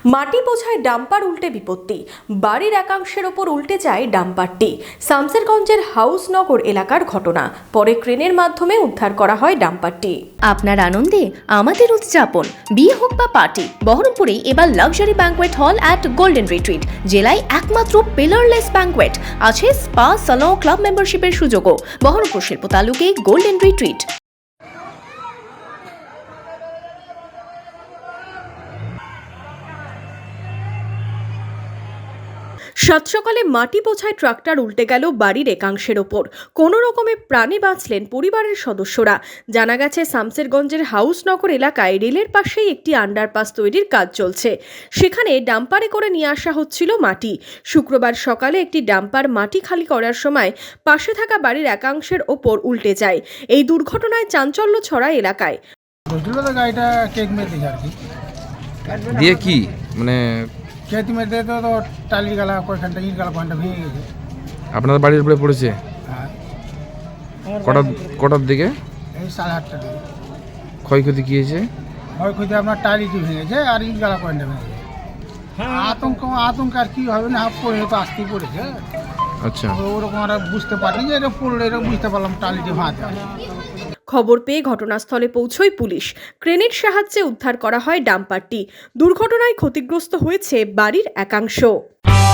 মাটি বোঝায় ডাম্পার উল্টে বিপত্তি, বাড়ির একাংশের ওপর উল্টে যায় ডাম্পারটি। শামসেরগঞ্জের হাউসনগর এলাকার ঘটনা, পরে ক্রেনের মাধ্যমে উদ্ধার করা হয় ডাম্পারটি। আপনার আনন্দে আমাদের উদযাপন, বিয়ে হোক বা পার্টি, বহরমপুরে এবার luxury banquet hall at golden retreat. জেলায় একমাত্র পিলারলেস ব্যাঙ্কোয়েট, আছে স্পা, সালন, ক্লাব মেম্বারশিপের সুযোগও। বহরমপুর শিল্প তালুকে গোল্ডেন রিট্রিট। সাত সকালে মাটি বোঝায় ট্রাক্টর উল্টে গেল বাড়ির একাংশের ওপর। কোনো রকমে প্রাণে বাঁচলেন পরিবারের সদস্যরা। জানা গেছে, শামসেরগঞ্জের হাউসনগর এলাকায় রেলের পাশেই একটি আন্ডারপাস তৈরির কাজ চলছে। সেখানে ডাম্পারে করে নিয়ে আসা হচ্ছিল মাটি। শুক্রবার সকালে একটি ডাম্পার মাটি খালি করার সময় পাশে থাকা বাড়ির একাংশের ওপর উল্টে যায়। এই দুর্ঘটনায় চাঞ্চল্য ছড়ায় এলাকায়। গাড়িটা কেক মেরে আর কি দিয়ে কি মানে কেক মেরে তো টালির গালা কয়েকখানটা ইট গালা কয়েকটা ভেঙে গেছে। আপনার বাড়ির উপরে পড়েছে? হ্যাঁ, কটার দিকে? এই 8:30টার দিকে ক্ষয়ক্ষতি কি হয়েছে? ক্ষয়ক্ষতি আপনার টালিটি ভেঙেছে আর ইট গালা কয়েকটা ভেঙেছে। আতঙ্ক আর কি হবে না, পড়ে তো আসতেই পড়েছে। আচ্ছা, ওরকম আর বুঝতে পারিনি যে এটা পড়লে, এরকম বুঝতে পারলাম টালিটি ভাঁজ। খবর পেয়ে ঘটনাস্থলে পৌঁছয় পুলিশ। ক্রেনের সাহায্যে উদ্ধার করা হয় ডাম্পারটি। দুর্ঘটনায় ক্ষতিগ্রস্ত হয়েছে বাড়ির একাংশ।